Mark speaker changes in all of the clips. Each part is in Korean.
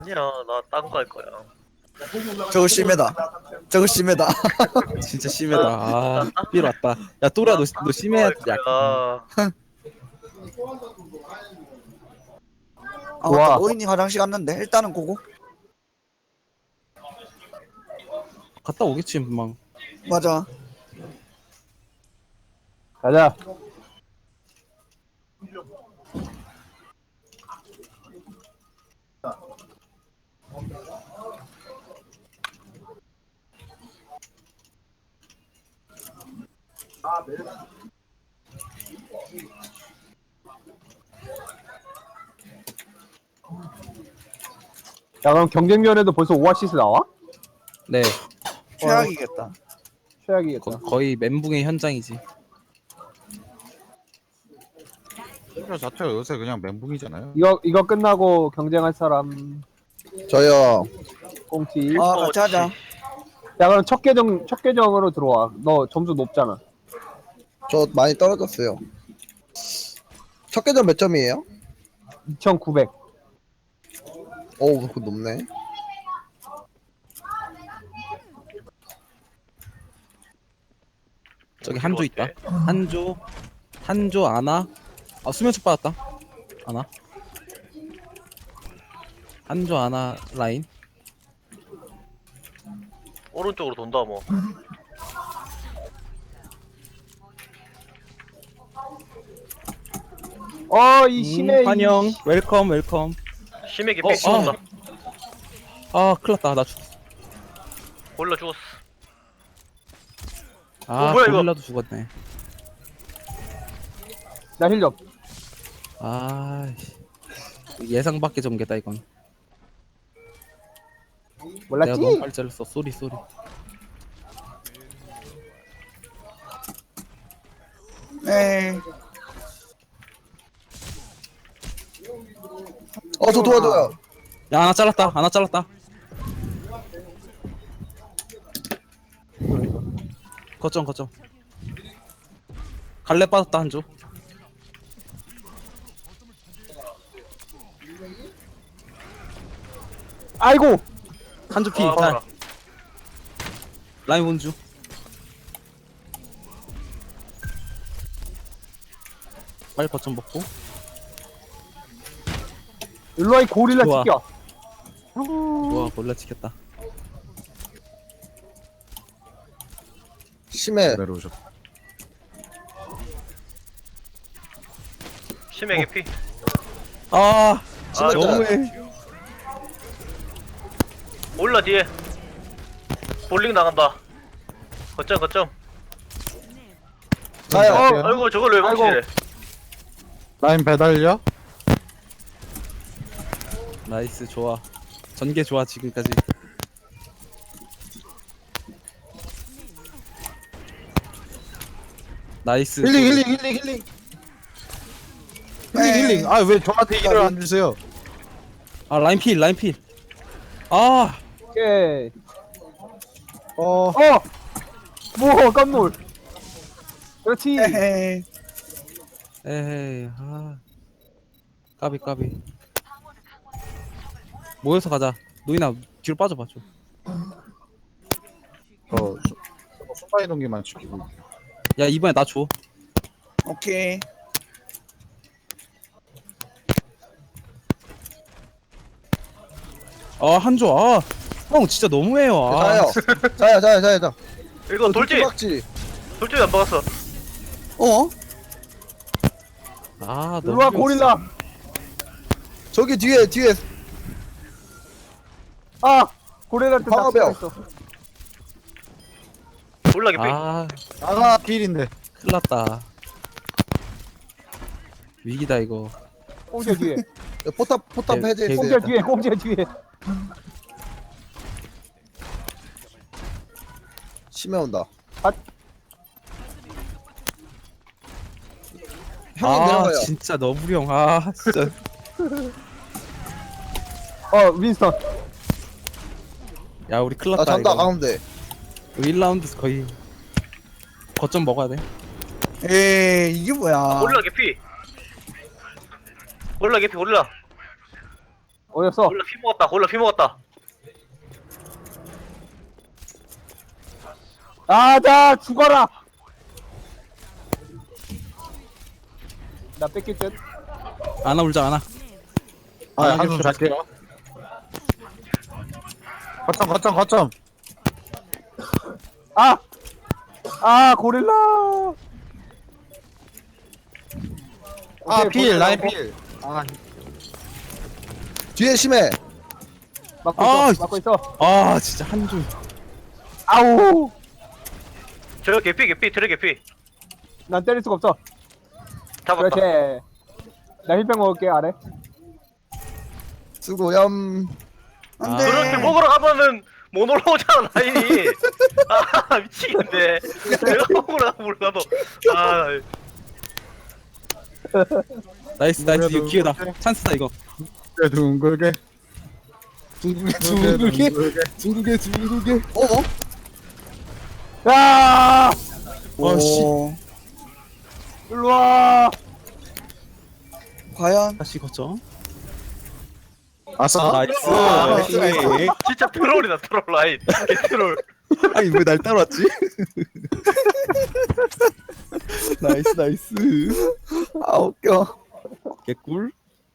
Speaker 1: 아니야, 나 딴 거 할 거야.
Speaker 2: 저거 심해다. 저거 심해다.
Speaker 3: 진짜 심하다. 아, 삘 왔다. 야, 또라 너 심해야 돼.
Speaker 1: 할 거야.
Speaker 2: 아,
Speaker 4: 좋아.
Speaker 2: 맞다. 노인이 화장실 갔는데 일단은 고고.
Speaker 3: 갔다 오겠지, 금방.
Speaker 2: 맞아.
Speaker 4: 가자. 야, 그럼 경쟁면에도 벌써 오아시스 나와?
Speaker 3: 네,
Speaker 2: 최악이겠다.
Speaker 4: 최악이겠다.
Speaker 3: 거의 멘붕의 현장이지.
Speaker 5: 저 자체가 요새 그냥 멘붕이잖아요.
Speaker 4: 이거 끝나고 경쟁할 사람
Speaker 2: 저요.
Speaker 4: 꽁치.
Speaker 2: 아, 같이 하자.
Speaker 4: 야, 그럼 첫 계정으로 들어와. 너 점수 높잖아.
Speaker 2: 저 많이 떨어졌어요. 첫 계정 몇 점이에요?
Speaker 4: 2,900.
Speaker 2: 오, 그거 높네.
Speaker 3: 저기 한조 있다. 한조 아나. 아, 수면촉 받았다. 아나. 한조 아나 라인.
Speaker 1: 오른쪽으로 돈다, 뭐.
Speaker 4: 이 심해.
Speaker 3: 환영. 웰컴.
Speaker 1: 심하게
Speaker 3: 어,
Speaker 1: 삐 쏜다.
Speaker 3: 아, 큰일났다. 나 죽었어.
Speaker 1: 골라 죽었어.
Speaker 3: 아,
Speaker 1: 뭐야, 이거?
Speaker 3: 고릴라도 죽었네.
Speaker 4: 나 힐력.
Speaker 3: 아, 예상 밖의 전개다 이건. 내가
Speaker 4: 몰랐지?
Speaker 3: 너무 빨리 잘랐어. 쏘리.
Speaker 2: 에이. 저 도와줘요.
Speaker 3: 야, 하나 잘랐다. 거점. 갈래 빠졌다 한조.
Speaker 4: 아이고.
Speaker 3: 한조 피.
Speaker 1: 아, 봐라.
Speaker 3: 라인 본주. 빨리 거점 먹고.
Speaker 4: 일로와 이 고릴라
Speaker 3: 좋아.
Speaker 4: 지켜.
Speaker 3: 좋아, 골라 지켰다.
Speaker 2: 심해.
Speaker 5: 내려오셨.
Speaker 1: 심하게 피.
Speaker 3: 아,
Speaker 1: 아,
Speaker 3: 너무해.
Speaker 1: 올라 뒤에. 볼링 나간다. 거점.
Speaker 2: 자요.
Speaker 1: 아이고, 저걸 왜
Speaker 4: 아이고.
Speaker 1: 망치래?
Speaker 5: 라인 배달려?
Speaker 3: 나이스, 좋아. 전개 좋아 지금까지. 나이스.
Speaker 5: 힐링. 아 왜 저한테 힐을 안 주세요?
Speaker 3: 아, 라인 필. 아,
Speaker 4: 오케이. 뭐 깜놀. 그렇지.
Speaker 2: 에헤이.
Speaker 3: 에이, 아, 까비. 모여서 가자. 노인아 뒤로 빠져봐 좀.
Speaker 5: 저거 순간 이동기만 지키고.
Speaker 3: 야, 이번에 나 줘.
Speaker 2: 오케이.
Speaker 3: 아, 한조. 아, 형 진짜 너무해요. 아,
Speaker 2: 자요.
Speaker 1: 이거 돌진
Speaker 2: 박지.
Speaker 1: 안 박았어.
Speaker 2: 어?
Speaker 3: 아, 너무.
Speaker 4: 일로와 고릴라.
Speaker 2: 저기 뒤에.
Speaker 4: 고릴라한테
Speaker 2: 방어벽.
Speaker 4: 낚시했어.
Speaker 1: 올라 개피.
Speaker 3: 아,
Speaker 5: 아가 필인데.
Speaker 3: 큰일났다. 위기다 이거.
Speaker 4: 꽁지 뒤에.
Speaker 2: 포탑
Speaker 3: 개-
Speaker 2: 해제했어요.
Speaker 4: 꽁지 뒤에.
Speaker 2: 심해 온다.
Speaker 4: 아.
Speaker 2: 형님
Speaker 3: 아,
Speaker 2: 내려가요.
Speaker 3: 진짜 너무령. 아, 진짜.
Speaker 4: 윈스턴.
Speaker 3: 야, 우리 큰일났다
Speaker 2: 잔다
Speaker 3: 이거.
Speaker 2: 가운데.
Speaker 3: 1라운드 거의 거점 먹어야 돼.
Speaker 2: 에이, 이게 뭐야.
Speaker 1: 올라 개피. 올라.
Speaker 4: 어디였어?
Speaker 1: 골라 피 먹었다. 골라 피 먹었다.
Speaker 4: 자 죽어라. 나 뺏길 듯.
Speaker 3: 아나 울자 아나.
Speaker 5: 아,
Speaker 3: 아,
Speaker 5: 한숨 잘게요. 거점.
Speaker 4: 고릴라.
Speaker 5: 아,
Speaker 4: 오케이,
Speaker 5: 필,
Speaker 4: 고릴라
Speaker 5: 라인
Speaker 4: 먹고.
Speaker 5: 필. 아,
Speaker 2: 뒤에 심해.
Speaker 4: 막고
Speaker 3: 아,
Speaker 4: 있어. 막고 있어.
Speaker 3: 아 진짜 한줄.
Speaker 4: 아우.
Speaker 1: 저 개피 트레 개피.
Speaker 4: 난 때릴 수가 없어.
Speaker 1: 잡았다.
Speaker 4: 그렇지. 나 힐백 먹을게 아래.
Speaker 2: 수고염.
Speaker 3: 아.
Speaker 2: 안돼.
Speaker 1: 그렇게 먹으러 가면은 못 올라오잖아 라인이. 아 미치겠네. 내가 먹으러 가면 몰라도. 아
Speaker 3: 나이스 이거 기회다. 찬스다 이거.
Speaker 5: 둥글게.
Speaker 3: 둥글게.
Speaker 4: 야!
Speaker 3: 씨.
Speaker 4: 일로 와.
Speaker 2: 과연
Speaker 3: 다시 거쳐.
Speaker 5: 아싸.
Speaker 3: 나이스.
Speaker 2: 나이스.
Speaker 1: 진짜 트롤이다 트롤 라인. 개트롤.
Speaker 3: 아니 왜 날 따라왔지? 나이스.
Speaker 2: 아 웃겨.
Speaker 3: 개꿀.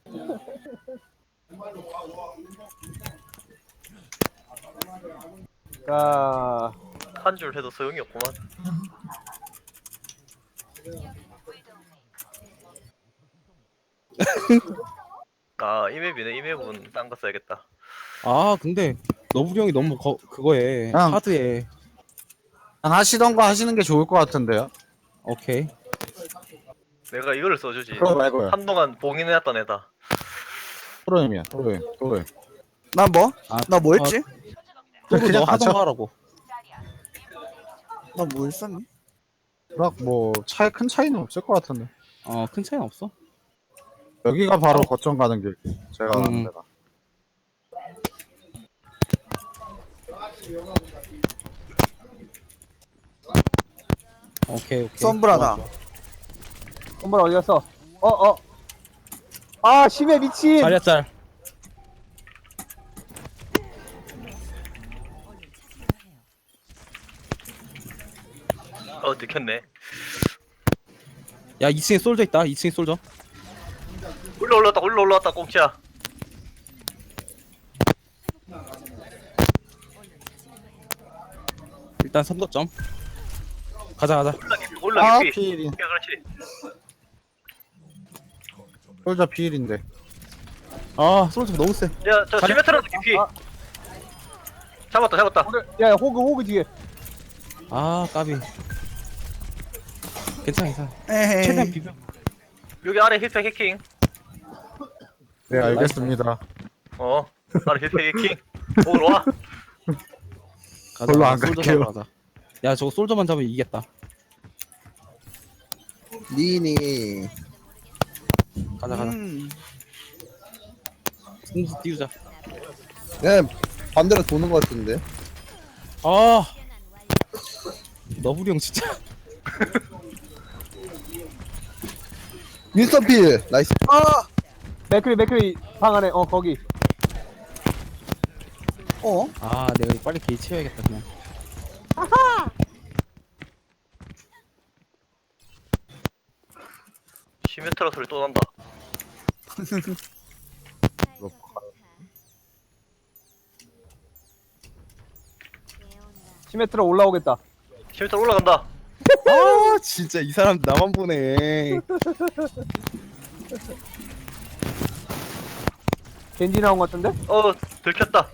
Speaker 4: 자,
Speaker 1: 한 줄 해도 소용이 없구만. 아 이맵이네. 이맵은 딴 거 써야겠다.
Speaker 3: 아 근데 너브리 형이 너무 그거에
Speaker 5: 형.
Speaker 3: 하드에.
Speaker 5: 하시던 거 하시는 게 좋을 것 같은데요.
Speaker 3: 오케이.
Speaker 1: 내가 이거를 써주지.
Speaker 5: 그거 말고요.
Speaker 1: 한동안 봉인해놨던 애다.
Speaker 5: 프로임이야, 프로임.
Speaker 2: 나 뭐?
Speaker 3: 아,
Speaker 2: 나 뭐 했지?
Speaker 3: 그거 너 하던
Speaker 5: 맞춰.
Speaker 3: 거 하라고.
Speaker 2: 나 뭐 했었니?
Speaker 5: 뭐, 큰 차이는 없을 것 같은데.
Speaker 3: 큰 차이는 없어.
Speaker 5: 여기가 바로 거점 가는 길. 제가 가는 데가.
Speaker 3: 오케이.
Speaker 2: 썸브라다.
Speaker 3: 좋아, 좋아.
Speaker 4: 선물 어디 갔어? 심해 미친.
Speaker 3: 자리야 짤.
Speaker 1: 들켰네.
Speaker 3: 야 2층에 솔져 있다. 2층에 솔져.
Speaker 1: 올라왔다 꽁치야.
Speaker 3: 일단 선거점. 가자.
Speaker 1: 올라
Speaker 5: 아,
Speaker 1: 개피.
Speaker 5: 필인.
Speaker 1: 야 그렇지.
Speaker 5: 솔자 필인데.
Speaker 3: 아 솔져 너무 세.
Speaker 1: 야저 시메트라도 개피.
Speaker 4: 아.
Speaker 1: 잡았다.
Speaker 4: 야, 호그 뒤에.
Speaker 3: 아 까비. 괜찮아.
Speaker 2: 에헤이.
Speaker 3: 최대한 비벼.
Speaker 1: 여기 아래 힐팩 해킹.
Speaker 5: 네, 알겠습니다.
Speaker 1: 아래 힐팩 해킹. 오늘 와.
Speaker 3: 가자.
Speaker 5: 별로 안
Speaker 3: 솔저
Speaker 5: 갈게요.
Speaker 3: 잡으러 가자. 야 저거 솔저만 잡으면 이기겠다.
Speaker 2: 니니.
Speaker 3: 가자. 승수 띄우자.
Speaker 2: 그냥 반대로 도는 것 같은데.
Speaker 3: 아 너브리 형 진짜.
Speaker 2: 윈스턴 필. 나이스. 아.
Speaker 4: 맥크리 방 안에. 거기.
Speaker 3: 아 내가 이거 빨리 게이 채워야겠다 그냥.
Speaker 1: 시메트라 소리 또 난다.
Speaker 4: 시메트라 올라오겠다.
Speaker 1: 시메트라 올라간다.
Speaker 3: 아 진짜 이 사람 나만 보네.
Speaker 4: 겐지 나온 것 같은데?
Speaker 1: 들켰다.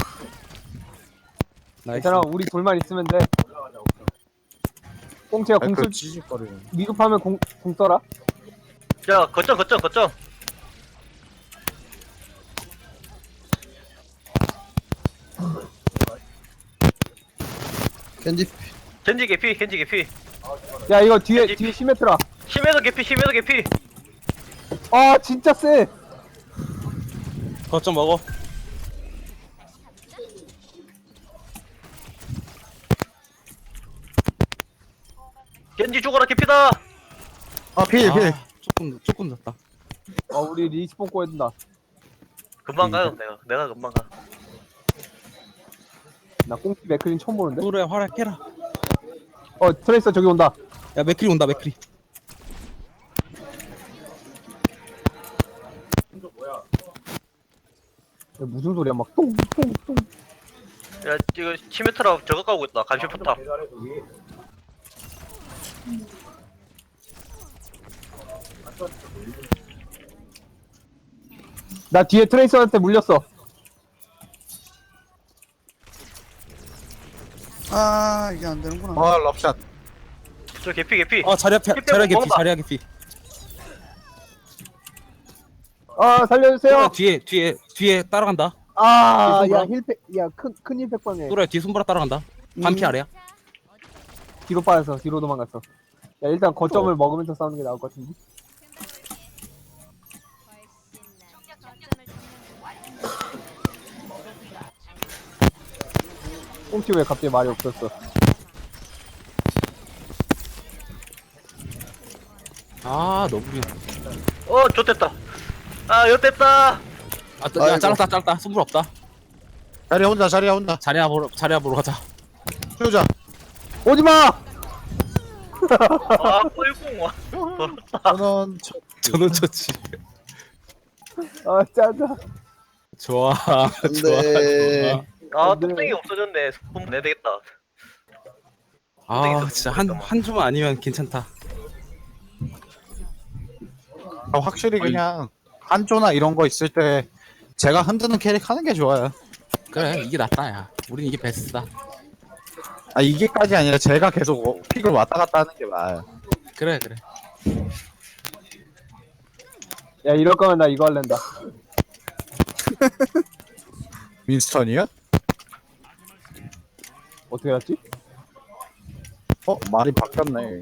Speaker 3: 나이스.
Speaker 4: 괜찮아, 우리 둘만 있으면 돼. 꽁치야
Speaker 5: 그
Speaker 4: 공술
Speaker 5: 찌직거리는.
Speaker 4: 미급하면 공 써라.
Speaker 1: 야 거점.
Speaker 2: 겐지.
Speaker 1: 겐지 개피.
Speaker 4: 야, 이거 뒤에 시메트라.
Speaker 1: 시메도 개피.
Speaker 4: 진짜 세.
Speaker 3: 거점 먹어.
Speaker 1: 겐지 죽어라 개피다.
Speaker 5: 필.
Speaker 3: 조금 늦다.
Speaker 4: 우리 리스폰 꼬야 된다.
Speaker 1: 금방 가요 내가 금방 가.
Speaker 4: 나 꽁치 맥크린 처음 보는데?
Speaker 3: 또래 활약해라.
Speaker 4: 트레이서 저기 온다.
Speaker 3: 야 맥크리 온다 맥크리.
Speaker 4: 야, 무슨 소리야, 막 똥똥똥.
Speaker 1: 야 이거 치메트라 저거 까고 있다. 감시 포탑.
Speaker 4: 나 뒤에 트레이서한테 물렸어.
Speaker 6: 아 이게 안 되는구나.
Speaker 5: 아 럽샷.
Speaker 1: 저 개피.
Speaker 3: 자리야
Speaker 1: 빼고
Speaker 3: 자리야 개피
Speaker 1: 먹어봐.
Speaker 3: 자리야 개피.
Speaker 4: 살려주세요.
Speaker 3: 뒤에 따라간다.
Speaker 4: 야,
Speaker 3: 뒤에
Speaker 4: 힐팩, 야, 큰 힐팩 방에.
Speaker 3: 또래 뒤 손보라 따라간다. 반피 아래야.
Speaker 4: 뒤로 빠졌어, 뒤로 도망갔어. 야, 일단 거점을 먹으면서 싸우는 게 나을 것 같은데. 꽁치 왜 갑자기 말이 없었어?
Speaker 3: 너구리.
Speaker 1: 좋됐다. 엿됐다.
Speaker 3: 야 잘랐다 손보라 없다.
Speaker 5: 자리야 혼자.
Speaker 3: 자리야 보러 가자.
Speaker 5: 효자.
Speaker 4: 오지마!
Speaker 1: 뻘궁 와.
Speaker 5: 저는
Speaker 3: 저는 좋지.
Speaker 4: 짜자.
Speaker 3: 좋아.
Speaker 2: 안돼.
Speaker 1: 뚝배기 없어졌네. 손 내야 되겠다.
Speaker 3: 진짜 한 주만 아니면 괜찮다.
Speaker 5: 확실히 그냥 한조나 이런 거 있을 때 제가 흔드는 캐릭 하는 게 좋아요.
Speaker 3: 그래 이게 낫다 야. 우린 이게 베스트다.
Speaker 5: 이게까지 아니라 제가 계속 픽을 왔다 갔다 하는 게 나아요.
Speaker 3: 그래.
Speaker 4: 야, 이럴 거면 나 이거 할랜다.
Speaker 5: 윈스턴이요?
Speaker 4: 어떻게 알았지?
Speaker 5: 말이 바뀌었네.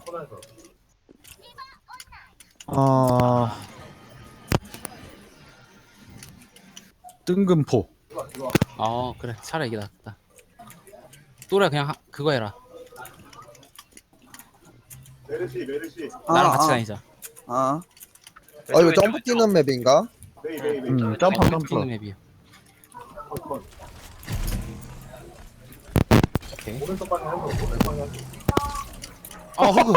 Speaker 5: 뜬금포.
Speaker 3: 그래 차라리 이게 낫다. 또래 그냥 그거 해라. 나랑 같이 다니자.
Speaker 6: 아
Speaker 2: 이거 점프 뛰는 맵인가?
Speaker 5: 점프.
Speaker 3: 뛰는 맵이요. 오케이. 호그.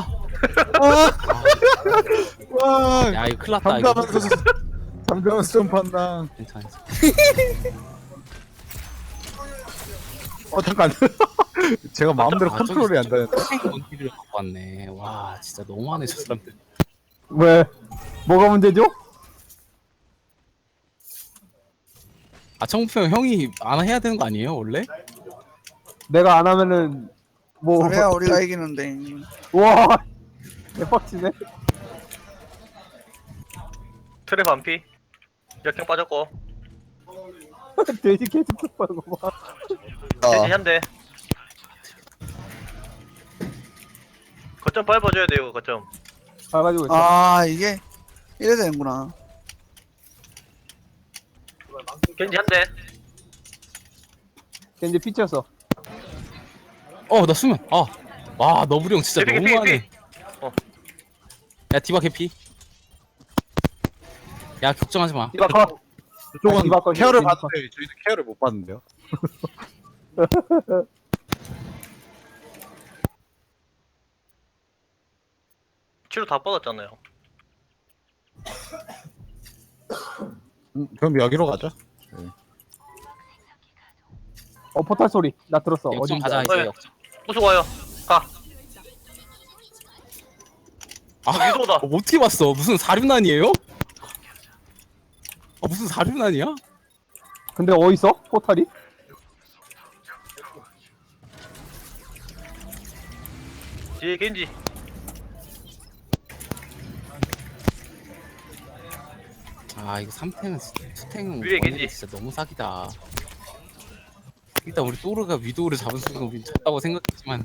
Speaker 5: 와.
Speaker 3: 야 이거 큰일 났다 이거.
Speaker 5: 잠깐만 점프한다.
Speaker 3: 괜찮아.
Speaker 5: 잠깐. 제가 마음대로
Speaker 3: 아,
Speaker 5: 컨트롤이 안 되는데.
Speaker 3: 원기를 갖고 왔네. 와 진짜 너무하네 저 사람들.
Speaker 4: 왜? 뭐가 문제죠?
Speaker 3: 청부형 형이 안 해야 되는 거 아니에요 원래?
Speaker 4: 내가 안 하면은,
Speaker 6: 그래야 우리가 이기는데.
Speaker 4: 와, 대박치네.
Speaker 1: 트랩 반피. 역행 빠졌고.
Speaker 4: 돼지 계속 tuk 거 봐.
Speaker 1: 대신 한대. 거점 밟아줘야 돼요. 거점.
Speaker 4: 가가지고 있어.
Speaker 6: 아 이게 이래 되는구나.
Speaker 1: 겐지 한대.
Speaker 4: 겐지 피치였어.
Speaker 3: 나 수면. 와 너구리 형 진짜
Speaker 1: 개피,
Speaker 3: 너무하네. 야 디바 개피. 야 걱정하지 마.
Speaker 4: 디바 컷.
Speaker 5: 이쪽은
Speaker 4: 디바 컷,
Speaker 5: 케어를
Speaker 4: 디바 컷.
Speaker 5: 받는데 저희는 케어를 못 받는데요.
Speaker 1: 치료 다 뻗었잖아요.
Speaker 5: 그럼 여기로 가자.
Speaker 4: 포탈 소리. 나 들었어.
Speaker 3: 역전
Speaker 4: 어딘지
Speaker 3: 가자
Speaker 4: 알아.
Speaker 3: 이제
Speaker 1: 네.
Speaker 3: 역전.
Speaker 1: 무슨 와요. 가. 위도다.
Speaker 3: 어떻게 봤어? 무슨 사륜난이에요? 무슨 사륜난이야?
Speaker 4: 근데 어딨어? 포탈이?
Speaker 1: 뒤에 겐지.
Speaker 3: 이거 3탱은 투탱은
Speaker 1: 위에
Speaker 3: 원일이
Speaker 1: 겐지.
Speaker 3: 진짜 너무 사기다. 일단 우리 또르가 위도우를 잡은 순간 우린 졌다고 생각했지만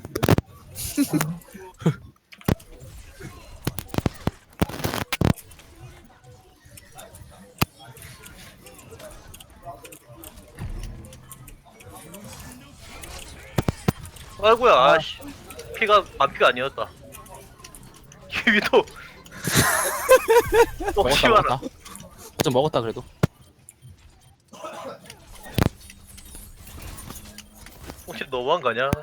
Speaker 1: 아이고야. 아씨. 피가 반피가 아니었다. 위도. 혹시
Speaker 3: 먹었다
Speaker 1: 말아.
Speaker 3: 먹었다. 좀 먹었다 그래도.
Speaker 1: 너무한 거 아니야?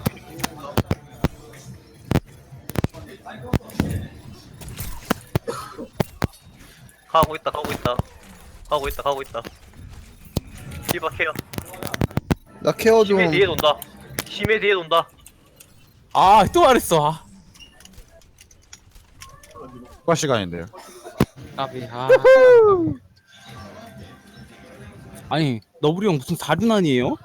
Speaker 1: 가고 있다 가고 있다 가고 있다 가고 있다. 디바 케어.
Speaker 2: 나 케어 좀.
Speaker 1: 심해 뒤에 돈다. 심해 뒤에 돈다.
Speaker 3: 아, 또 말했어. 아,
Speaker 5: 추가 시간인데요.
Speaker 3: 까비. 아. 아니, 너브리 형 무슨 사륜아니에요?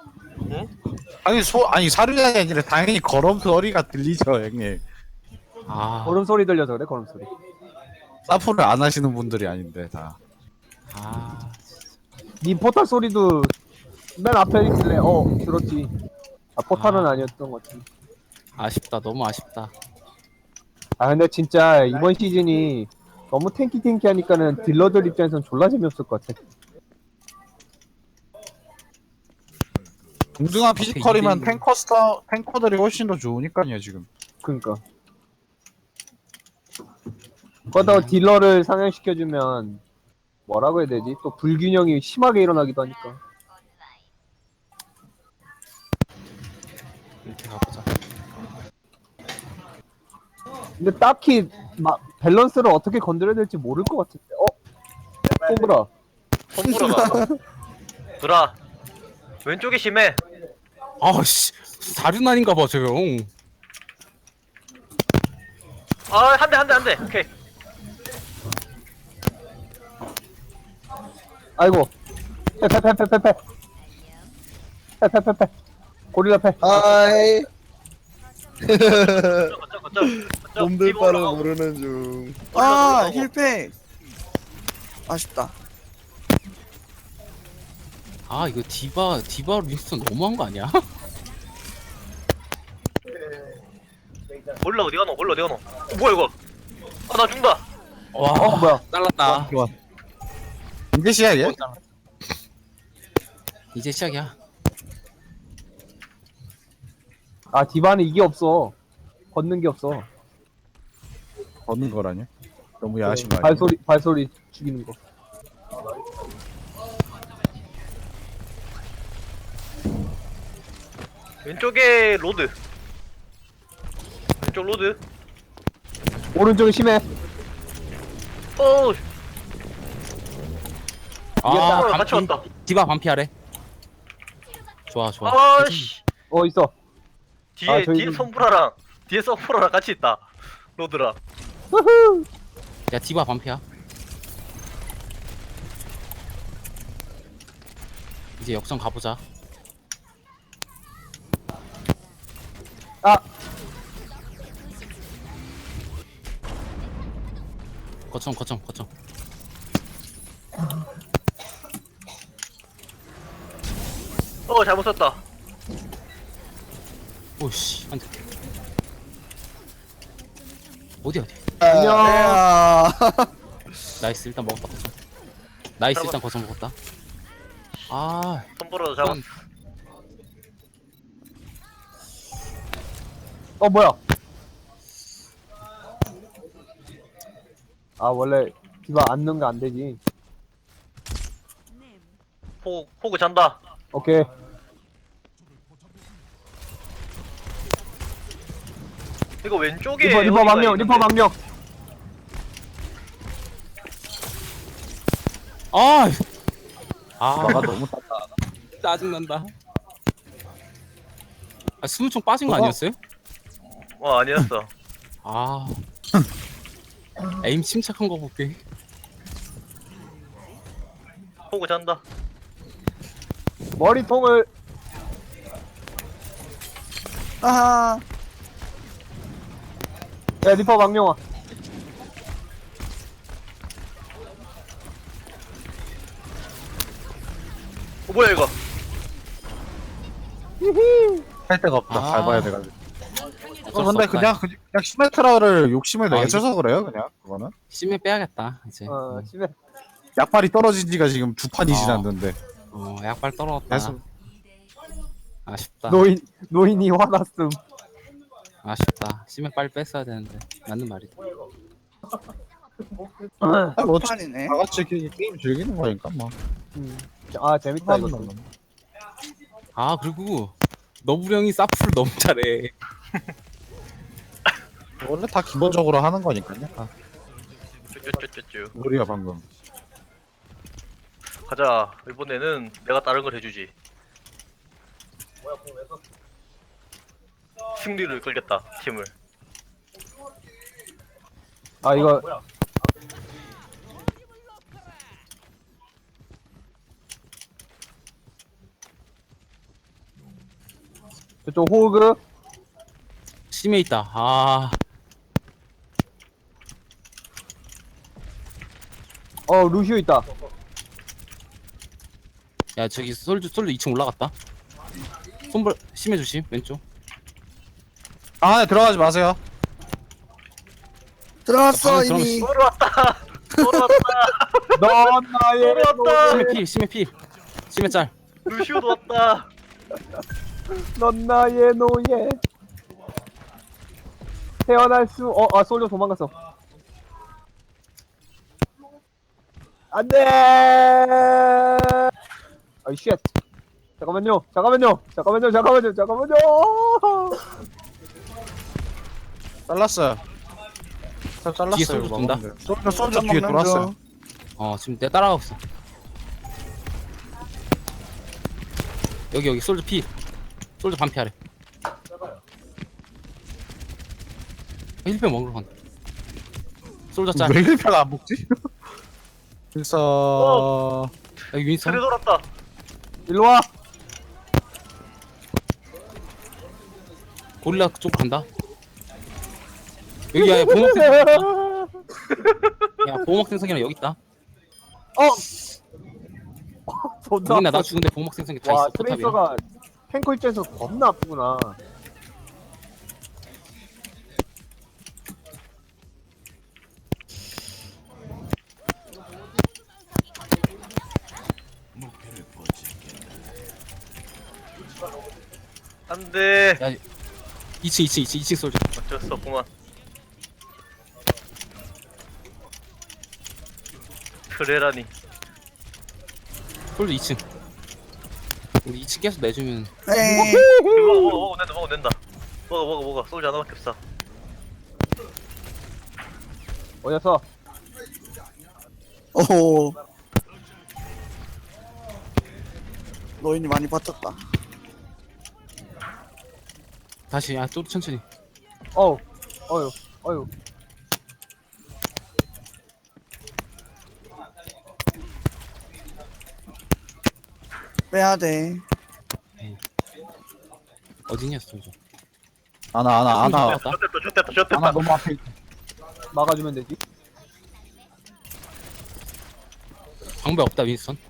Speaker 5: 아니 사륜이 아니라 당연히 걸음소리가 들리죠 형님.
Speaker 3: 아,
Speaker 4: 걸음소리 들려서 그래 걸음소리.
Speaker 5: 사프를 안 하시는 분들이 아닌데 다.
Speaker 3: 아,
Speaker 4: 니 포탈 소리도 맨 앞에 있길래 들었지. 아 포탈은 아니었던 것 같아.
Speaker 3: 아쉽다. 너무 아쉽다.
Speaker 4: 아 근데 진짜 이번 시즌이 너무 탱키 하니까는 딜러들 입장에선 졸라 재미없을 것 같아.
Speaker 5: 동등한 피지컬이면
Speaker 3: 이게-
Speaker 5: 탱커들이 훨씬 더 좋으니까요 지금.
Speaker 4: 그니까. 거기다가 딜러를 상향시켜주면 뭐라고 해야 되지? 또 불균형이 심하게 일어나기도 하니까.
Speaker 3: 이렇게 가보자.
Speaker 4: 근데 딱히 밸런스를 어떻게 건드려야 될지 모를 것 같은데. 뽀브라.
Speaker 1: 손보라가. 브라. 왼쪽이 심해.
Speaker 3: 아, 씨. 사륜아닌가 봐, 저 형.
Speaker 1: 아, 한 대, 한 대, 한 대. 오케이.
Speaker 4: 아이고. 패. 고릴라 패.
Speaker 2: 아이.
Speaker 1: 거점.
Speaker 2: 놈들 바를 모르는 중.
Speaker 6: 아 힐팩. 아쉽다.
Speaker 3: 아, 이거 디바 윈스턴 너무한 거 아니야?
Speaker 1: 몰라, 어디 가노? 뭐야, 이거? 아, 나 죽는다.
Speaker 3: 와,
Speaker 4: 뭐야.
Speaker 3: 잘랐다.
Speaker 5: 좋아. 이게 시야예?
Speaker 3: 이제 시작이야.
Speaker 4: 아 디바는 이게 없어. 걷는 게 없어.
Speaker 5: 걷는 거라뇨? 너무 야하신 거 아니에요?
Speaker 4: 발소리 죽이는 거.
Speaker 1: 왼쪽에 로드. 왼쪽 로드.
Speaker 4: 오른쪽이 심해.
Speaker 1: 어,
Speaker 3: 아,
Speaker 1: 손보라 같이
Speaker 3: 반피.
Speaker 1: 왔다.
Speaker 3: 디바 반피하래. 좋아.
Speaker 1: 아씨.
Speaker 4: 있어.
Speaker 1: 뒤에
Speaker 4: 저희
Speaker 1: 뒤에 선프라랑 같이 있다. 로드랑.
Speaker 3: 야, 디바 반피야. 이제 역전 가보자.
Speaker 4: 아
Speaker 3: 거점.
Speaker 1: 잘못 썼다.
Speaker 3: 오씨, 안 돼. 어디야?
Speaker 4: 안녕.
Speaker 6: 야.
Speaker 3: 나이스, 일단 먹었다, 거점. 나이스, 일단 거점 먹었다. 아,
Speaker 1: 선보라도 잡았어.
Speaker 4: 뭐야. 아 원래 디바 앉는 거 안 되지.
Speaker 1: 포그 잔다.
Speaker 4: 오케이.
Speaker 1: 이거 왼쪽에
Speaker 4: 리퍼
Speaker 1: 어디가
Speaker 4: 망령.
Speaker 1: 있는데?
Speaker 4: 리퍼 망령.
Speaker 5: 디바가 너무
Speaker 3: 짜증난다. 아, 스무총 빠진 거
Speaker 4: 그거?
Speaker 3: 아니었어요?
Speaker 1: 아니었어.
Speaker 3: 아, 에임 침착한 거 볼게.
Speaker 1: 포그 잔다.
Speaker 4: 머리통을.
Speaker 6: 아하.
Speaker 4: 야 리퍼 망령아.
Speaker 1: 뭐야 이거?
Speaker 5: 할 데가 없다.
Speaker 3: 아.
Speaker 5: 밟아야 돼가지고.
Speaker 3: 어쩔 수
Speaker 5: 근데
Speaker 3: 없다.
Speaker 5: 그냥 시메트라를 욕심을
Speaker 3: 아,
Speaker 5: 내셔서 그래요 그냥 그거는.
Speaker 3: 심해 빼야겠다 이제.
Speaker 4: 심해.
Speaker 5: 약발이 떨어진 지가 지금 2판이
Speaker 3: 아.
Speaker 5: 지났는데.
Speaker 3: 약발 떨어졌다.
Speaker 5: 계속.
Speaker 3: 아쉽다.
Speaker 4: 노인이 화났음.
Speaker 3: 아쉽다. 심해 빨리 뺐어야 되는데. 맞는 말이다.
Speaker 5: 아니, 뭐 어차피
Speaker 6: 판이네.
Speaker 5: 다 같이 게임 즐기는 거니까 뭐.
Speaker 4: 아 재밌다 이거.
Speaker 3: 아, 그리고 너부령이 사프를 너무 잘해.
Speaker 5: 원래 다 기본적으로 하는 거니까요. 아,
Speaker 1: 쭈쭈쭈쭈쭈.
Speaker 5: 우리가 방금.
Speaker 1: 가자. 이번에는 내가 다른 걸 해주지. 승리를 끌겠다. 팀을.
Speaker 4: 아 이거 저쪽 호그
Speaker 3: 심해 있다. 아,
Speaker 4: 루시오 있다.
Speaker 3: 야 저기 솔주 2층 올라갔다. 손볼 심해 조심 왼쪽.
Speaker 5: 아, 네, 들어가지 마세요.
Speaker 6: 들어갔어
Speaker 3: 방금
Speaker 6: 이미.
Speaker 1: 또 왔다. 또 왔다.
Speaker 4: 넌 나의
Speaker 1: 또 왔다.
Speaker 3: 심해 필. 심해 짤.
Speaker 1: 루시오도 왔다.
Speaker 4: 넌 나의 노예. 태어날 수 솔저 도망갔어. 안돼. 아이 쉣. 잠깐만요.
Speaker 5: 잘랐어요. 저 잘랐어요.
Speaker 3: 뒤에 솔저 돈다.
Speaker 5: 솔저 뒤에 돌았어요.
Speaker 3: 지금 내가 따라가고 있어. 여기 솔저 피. 솔저 반피 하래. 힐패 먹으러 간다. 솔저 짤.
Speaker 5: 왜 1패가 안 먹지? 그래서
Speaker 3: 여기 윈선.
Speaker 1: 트레 돌았다.
Speaker 4: 일로 와.
Speaker 3: 고릴라 쪽 간다. 여기 야 보호막 생성 있다. 야 보호막 생성이랑 여기 있다.
Speaker 4: 존나
Speaker 3: 우리나 나
Speaker 4: 아파.
Speaker 3: 죽은데 보호막 생성이 다
Speaker 4: 와
Speaker 3: 있어. 포탑이랑.
Speaker 4: 트레이서가 탱커 입장에서 겁나 아프구나.
Speaker 1: 안돼.
Speaker 3: 2층 솔저.
Speaker 1: 어쩔 수 없구만. 트레라니.
Speaker 3: 솔저 2층. 우리 2층 계속 내주면
Speaker 6: 에이.
Speaker 1: 먹어낸다. 먹어. 솔자 하나밖에 없어.
Speaker 4: 어디서?
Speaker 6: 오. 노인이 많이 버텼다.
Speaker 3: 다시 좀 천천히.
Speaker 4: 어휴.
Speaker 6: 빼야 돼.
Speaker 3: 어디냐 솔저.
Speaker 5: 아나
Speaker 1: 좋됐다.
Speaker 5: 아나 너무 앞에 있다.
Speaker 4: 막아주면 되지.
Speaker 3: 방배 없다 윈선.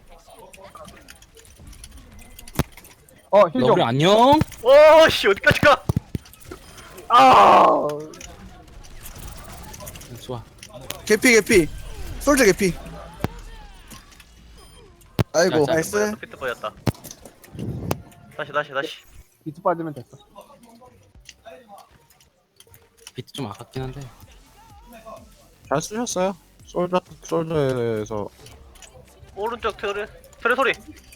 Speaker 4: 힐 좀.
Speaker 3: 너구리 안녕.
Speaker 1: 오씨 어디까지 가?
Speaker 3: 좋아.
Speaker 6: 개피. 솔저 개피. 아이고
Speaker 3: 자,
Speaker 6: 나이스.
Speaker 1: 피트 빠졌다. 다시.
Speaker 4: 비트 빠지면 됐어.
Speaker 3: 비트 좀 아깝긴 한데.
Speaker 5: 잘 쓰셨어요. 솔저에서
Speaker 1: 오른쪽 트레 소리.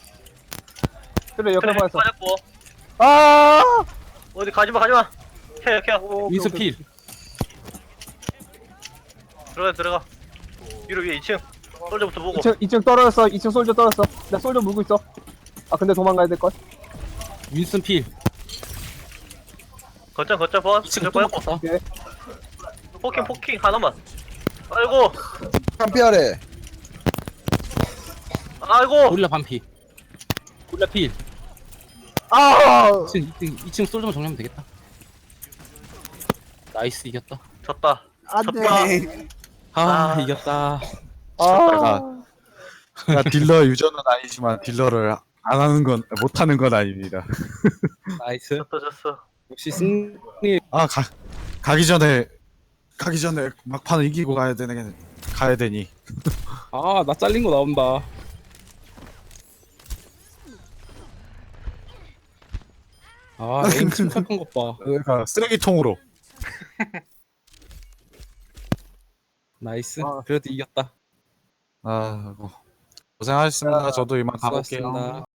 Speaker 4: 그래 옆에
Speaker 1: 트레
Speaker 4: 빠졌어.
Speaker 1: 빠졌고.
Speaker 4: 아!
Speaker 1: 어디 가지마. 케어.
Speaker 3: 윈선 필.
Speaker 1: 들어가. 위에 2층. 솔저부터 보고.
Speaker 4: 2층 떨어졌어. 2층 솔저 떨어졌어. 나 솔저 물고 있어. 근데 도망가야 될 걸.
Speaker 3: 윈선 필.
Speaker 1: 거점 번.
Speaker 3: 2층 또
Speaker 1: 빠졌고.
Speaker 3: 먹었다.
Speaker 1: 포킹 하나만. 아이고.
Speaker 2: 한피하래.
Speaker 3: 고릴라 반피. 고릴라 필. 2층 솔저만 정리하면 되겠다. 나이스 이겼다.
Speaker 1: 졌다.
Speaker 6: 안돼.
Speaker 3: 이겼다.
Speaker 5: 제가 딜러 유저는 아니지만 딜러를 안 하는 건 못하는 건 아닙니다.
Speaker 3: 나이스.
Speaker 1: 졌어.
Speaker 3: 역시 승리.
Speaker 5: 가기 전에 막판을 이기고 가야 되니.
Speaker 3: 나 잘린 거 나온다. 에임 침착한 것 봐.
Speaker 5: 그러니까 쓰레기통으로.
Speaker 3: 나이스. 그래도 이겼다.
Speaker 5: 고생하셨습니다. 저도 이만 가볼게요.
Speaker 3: 수고하셨습니다.